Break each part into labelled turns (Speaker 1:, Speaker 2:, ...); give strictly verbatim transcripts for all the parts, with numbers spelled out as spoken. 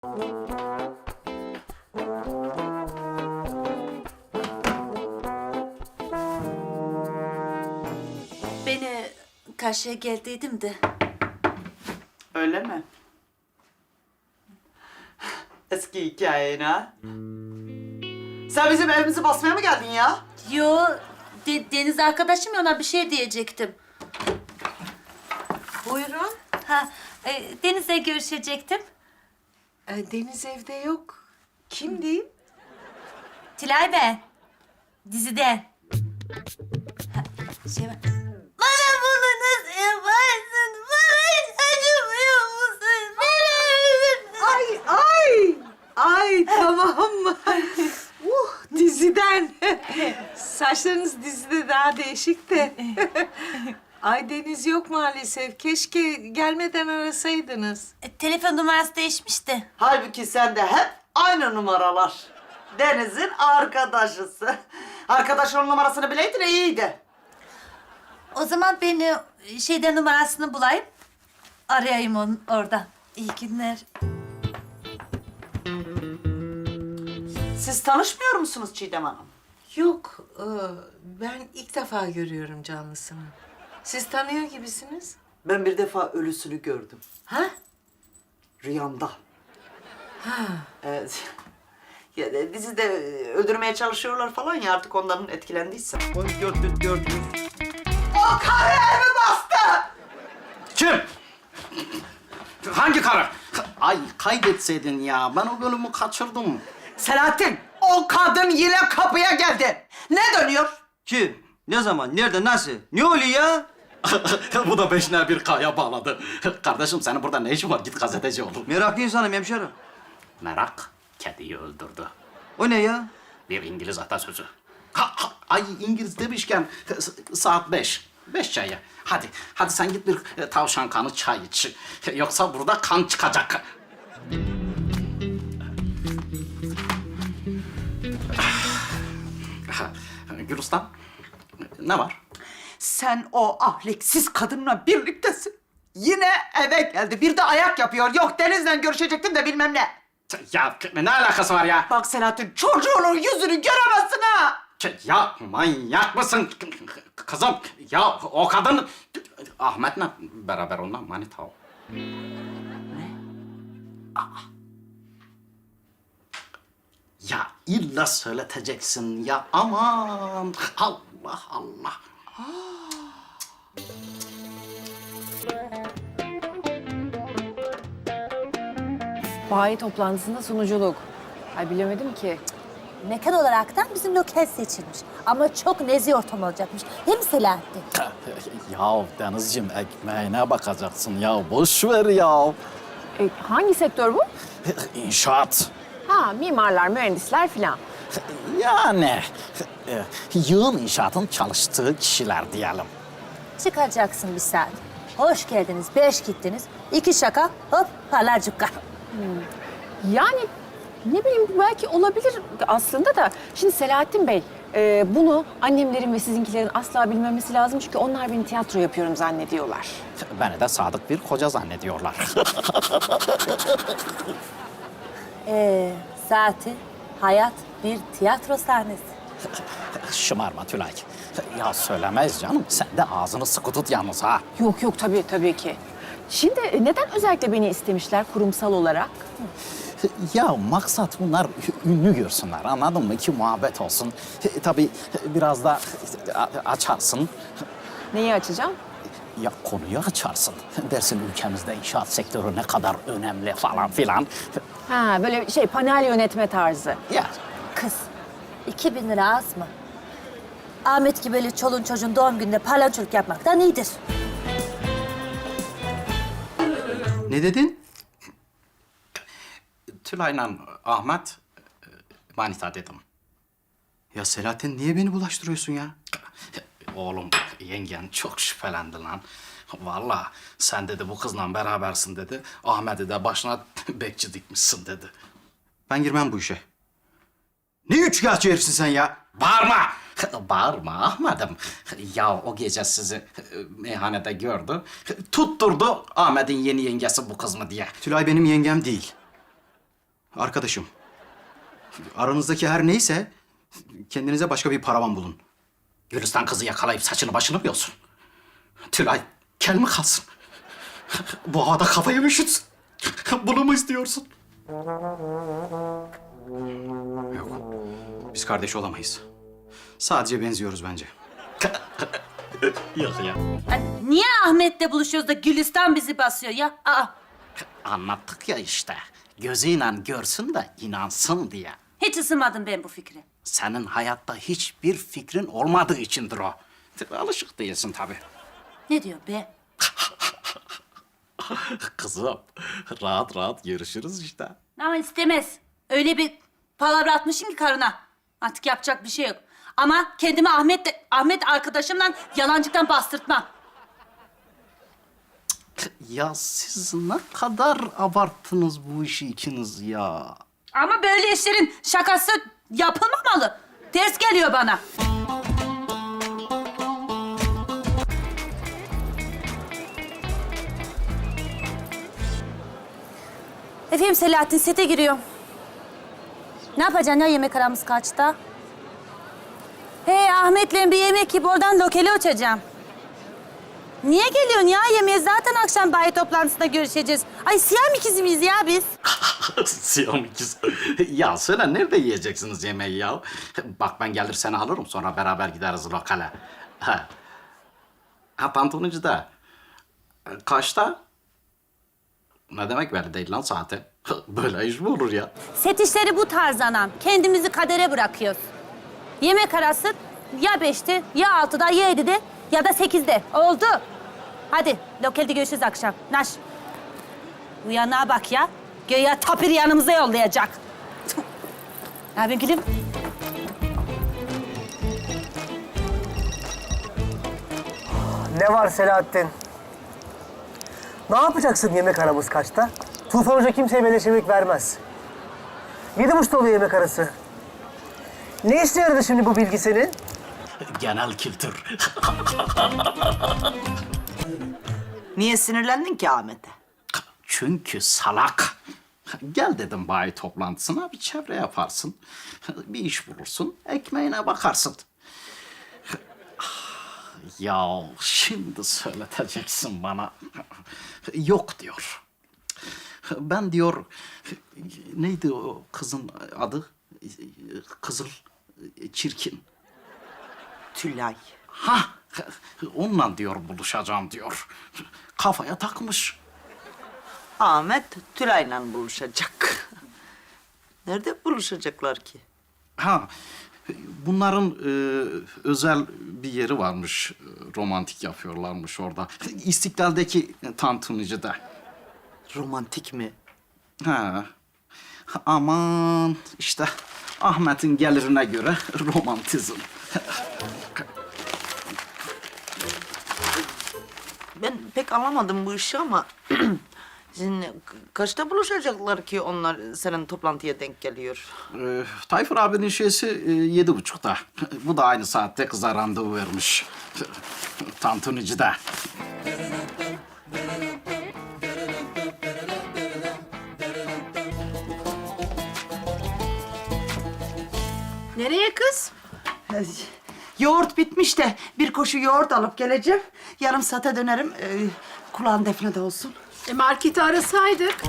Speaker 1: Beni karşıya geldiydim de.
Speaker 2: Öyle mi? Eski hikayeni ha? Sen bizim evimizi basmaya mı geldin ya?
Speaker 1: Yo, De- Deniz arkadaşım ya, ona bir şey diyecektim.
Speaker 3: Buyurun.
Speaker 1: Ha, e, Deniz'le görüşecektim.
Speaker 3: Ee, Deniz evde yok. Kim diyeyim?
Speaker 1: Tilay ben. Diziden. Ha, şey var. Bana bunu nasıl yaparsın? Bana hiç acımıyor musun?
Speaker 3: Ay ay. Ay tamam mı? uh diziden. Saçlarınız dizide daha değişik de. Ay Deniz yok maalesef. Keşke gelmeden arasaydınız.
Speaker 1: E, telefon numarası değişmişti.
Speaker 2: Halbuki sende hep aynı numaralar. Deniz'in arkadaşısı. Arkadaşının numarasını bileydin iyiydi.
Speaker 1: O zaman ben e, şeyden numarasını bulayım. Arayayım onu orada. İyi günler.
Speaker 2: Siz tanışmıyor musunuz Çiğdem Hanım?
Speaker 3: Yok. e, ben ilk defa görüyorum canlısını. Siz tanıyor gibisiniz.
Speaker 2: Ben bir defa ölüsünü gördüm.
Speaker 3: Ha?
Speaker 2: Rüyamda.
Speaker 3: Ha.
Speaker 2: Evet. Ya de, dizide öldürmeye çalışıyorlar falan ya, artık onların etkilendiyse.
Speaker 4: on dört bin dört yüz.
Speaker 2: O karı evi bastı!
Speaker 4: Kim? Hangi karı? Ay kaydetseydin ya. Ben o bölümü kaçırdım.
Speaker 2: Selahattin, o kadın yine kapıya geldi. Ne dönüyor?
Speaker 4: Kim? Ne zaman? Nerede? Nasıl? Ne oluyor ya? Bu da beşine bir kaya bağladı. Kardeşim senin burada ne işin var? Git gazeteci ol.
Speaker 5: Meraklı insanım hemşerim.
Speaker 4: Merak kediyi öldürdü.
Speaker 5: O ne ya?
Speaker 4: Bir İngiliz atasözü. Ha, ha, ay İngiliz demişken s- saat beş. Beş çayı. Hadi, hadi sen git bir e, tavşan kanı çay iç. Yoksa burada kan çıkacak. Gülistan, ne var?
Speaker 2: Sen o ahlaksız kadınla birliktesin. Yine eve geldi. Bir de ayak yapıyor. Yok Deniz'le görüşecektim de bilmem ne.
Speaker 4: Ya ne alakası var ya?
Speaker 2: Bak Selahattin, çocuğunun yüzünü göremezsin ha.
Speaker 4: Ya manyak mısın kızım? Ya o kadın Ahmet'le beraber onunla manita o. Aa. Ya illa söyleteceksin ya, aman Allah Allah.
Speaker 6: Bayi toplantısında sunuculuk. Ay bilemedim ki.
Speaker 7: Mekan olaraktan bizim lokal seçilmiş. Ama çok nezih ortam olacakmış. Değil mi Selahattin?
Speaker 8: Ya Denizciğim ekmeğine bakacaksın ya. Boş ver ya.
Speaker 6: E, hangi sektör bu?
Speaker 8: İnşaat.
Speaker 6: Ha, mimarlar, mühendisler filan.
Speaker 8: Yani e, yığın inşaatın çalıştığı kişiler diyelim.
Speaker 7: Çıkacaksın bir saat. Hoş geldiniz, beş gittiniz. İki şaka, hop parlarcıkka.
Speaker 6: Yani ne bileyim belki olabilir aslında da. Şimdi Selahattin Bey, e, bunu annemlerin ve sizinkilerin asla bilmemesi lazım. Çünkü onlar beni tiyatro yapıyorum zannediyorlar.
Speaker 8: Beni de sadık bir koca zannediyorlar.
Speaker 7: Ee, zaten hayat bir tiyatro sahnesi.
Speaker 8: Şımarma Tülay. Ya söylemez canım. Sen de ağzını sıkı tut yalnız ha.
Speaker 6: Yok yok tabii tabii ki. Şimdi e, neden özellikle beni istemişler kurumsal olarak?
Speaker 8: Ya maksat bunlar ünlü görsünler, anladın mı? Ki muhabbet olsun. E, tabii biraz da a- açarsın.
Speaker 6: Neyi açacağım?
Speaker 8: Ya konuyu açarsın. Dersin ülkemizde inşaat sektörü ne kadar önemli falan filan.
Speaker 6: Ha böyle şey panel yönetme tarzı.
Speaker 8: Ya
Speaker 7: Kız, iki bin lira az mı? Ahmet gibi böyle çoluğun çocuğun doğum gününde palyaçoluk yapmaktan iyidir.
Speaker 5: Ne dedin?
Speaker 4: Tülay'la Ahmet e, manita dedim.
Speaker 5: Ya Selahattin niye beni bulaştırıyorsun ya?
Speaker 4: Oğlum yengen çok şüphelendi lan. Vallahi sen dedi bu kızla berabersin dedi. Ahmet'i de başına bekçi dikmişsin dedi.
Speaker 5: Ben girmem bu işe. Ne üçkağıtçı herifsin sen ya?
Speaker 4: Bağırma! Bağırma Ahmet'im. Ya o gece sizi e, meyhanede gördü. Tutturdu Ahmet'in yeni yengesi bu kız mı diye.
Speaker 5: Tülay benim yengem değil. Arkadaşım. Aranızdaki her neyse kendinize başka bir paravan bulun.
Speaker 4: Gülistan kızı yakalayıp saçını başını mı yolsun? Tülay, kel mi kalsın? Bu havada kafayı mı üşütsün? Bunu mu istiyorsun?
Speaker 5: Yok. Biz kardeş olamayız. Sadece benziyoruz bence.
Speaker 4: Yok ya.
Speaker 1: Ay, niye Ahmet'le buluşuyoruz da Gülistan bizi basıyor ya? Aa,
Speaker 4: Anlattık ya işte. Gözüyle görsün de inansın diye.
Speaker 1: hiç ısınmadım ben bu fikre.
Speaker 4: Senin hayatta hiçbir fikrin olmadığı içindir o. Alışık değilsin tabii.
Speaker 1: Ne diyor be?
Speaker 4: Kızım, rahat rahat görüşürüz işte.
Speaker 1: Ama istemez. Öyle bir palavra atmışım ki karına. Artık yapacak bir şey yok. Ama kendimi Ahmet'le, Ahmet arkadaşımla yalancıktan bastırtmam.
Speaker 4: Ya siz ne kadar abarttınız bu işi ikiniz ya.
Speaker 1: Ama böyle işlerin şakası yapılmamalı. Ters geliyor bana.
Speaker 7: Efendim Selahattin sete giriyor. Ne yapacaksın ya yemek aramız kaçta? He Ahmet'le bir yemek yiyip oradan lokale uçacağım. Niye geliyorsun ya yemeğe? Zaten akşam bayi toplantısında görüşeceğiz. Ay siyah ikizi miyiz ya biz?
Speaker 4: Siyam ikiz. Ya söyle nerede yiyeceksiniz yemeği ya? Bak ben gelir seni alırım sonra beraber gideriz lokale. Ha, ha Tantuni'de. Kaçta? Ne demek belli değil lan saati? Böyle iş mi olur ya?
Speaker 7: Set işleri bu tarz anam. Kendimizi kadere bırakıyoruz. Yemek arası ya beşte, ya altıda, ya yedide ya da sekizde. Oldu. Hadi lokalde görüşürüz akşam. Naş. Uyanığa bak ya. Göya tapir yanımıza yollayacak. Ne yapayım gülüm?
Speaker 9: Ne var Selahattin? Ne yapacaksın yemek aramız kaçta? Tufan Hoca kimseye beleş yemek vermez. Yedi buçukta oluyor yemek arası. Ne işe yaradı şimdi bu bilgi senin?
Speaker 4: Genel kültür.
Speaker 2: Niye sinirlendin ki Ahmet'e?
Speaker 4: Çünkü salak. Gel dedim bayi toplantısına bir çevre yaparsın. Bir iş bulursun, ekmeğine bakarsın. Ya şimdi söyleteceksin bana. Yok diyor. Ben diyor, neydi o kızın adı? Kızıl, çirkin.
Speaker 2: Tülay.
Speaker 4: Ha, onunla diyor buluşacağım diyor. Kafaya takmış.
Speaker 2: Ahmet Tülay'la buluşacak. Nerede buluşacaklar ki?
Speaker 4: Ha, bunların e, özel bir yeri varmış. Romantik yapıyorlarmış orada. İstiklal'deki Tantuni'de.
Speaker 2: Romantik mi?
Speaker 4: Ha. Aman işte Ahmet'in gelirine göre romantizm.
Speaker 2: Ben pek anlamadım bu işi ama... Şimdi kaçta buluşacaklar ki onlar senin toplantıya denk geliyor?
Speaker 4: Ee, Tayfur abinin şeysi e, yedi buçukta. Bu da aynı saatte kıza randevu vermiş. Tantunici'de.
Speaker 3: Nereye kız?
Speaker 2: Yoğurt bitmiş de bir koşu yoğurt alıp geleceğim. Yarım saate dönerim. Ee, kulağın Defne'de olsun.
Speaker 3: E marketi arasaydık.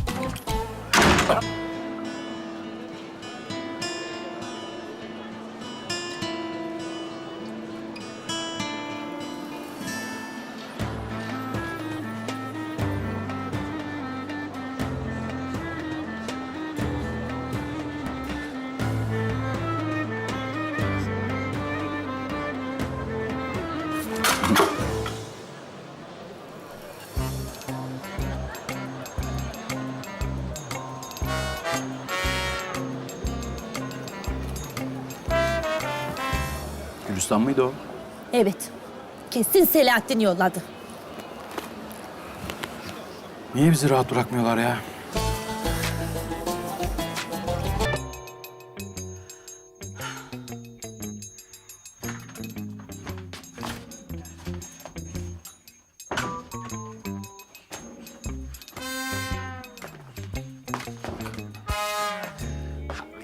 Speaker 5: Gülistan mıydı o?
Speaker 7: Evet. Kesin Selahattin yolladı.
Speaker 5: Niye bizi rahat bırakmıyorlar ya?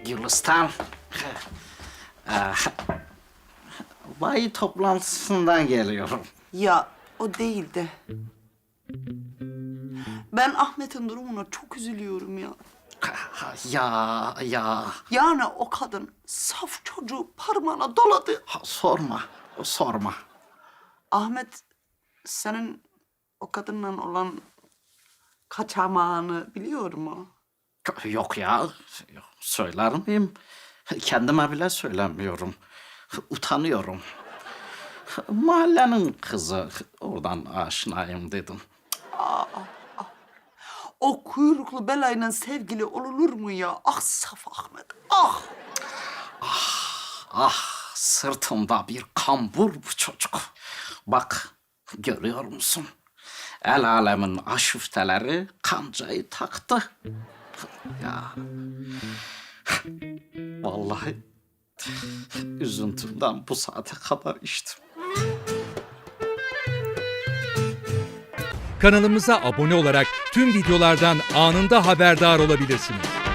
Speaker 4: Gülistan. Ee, Bayi toplantısından geliyorum.
Speaker 2: Ya o değil de. Ben Ahmet'in durumuna çok üzülüyorum ya.
Speaker 4: Ya, ya.
Speaker 2: Yani o kadın saf çocuğu parmağına doladı.
Speaker 4: Ha, sorma, sorma.
Speaker 2: Ahmet senin o kadınla olan kaçamağını biliyor mu?
Speaker 4: Yok ya, yok, söyler miyim? Kendime bile söylemiyorum. Utanıyorum. Mahallenin kızı, oradan aşinayım dedim.
Speaker 2: O kuyruklu belayla sevgili olunur mu ya? Ah saf Ahmet, ah!
Speaker 4: Ah, sırtımda bir kambur bu çocuk. Bak, görüyor musun? El alemin aşufteleri kancayı taktı. Ya, vallahi üzüntümden bu saate kadar içtim.
Speaker 10: Kanalımıza abone olarak tüm videolardan anında haberdar olabilirsiniz.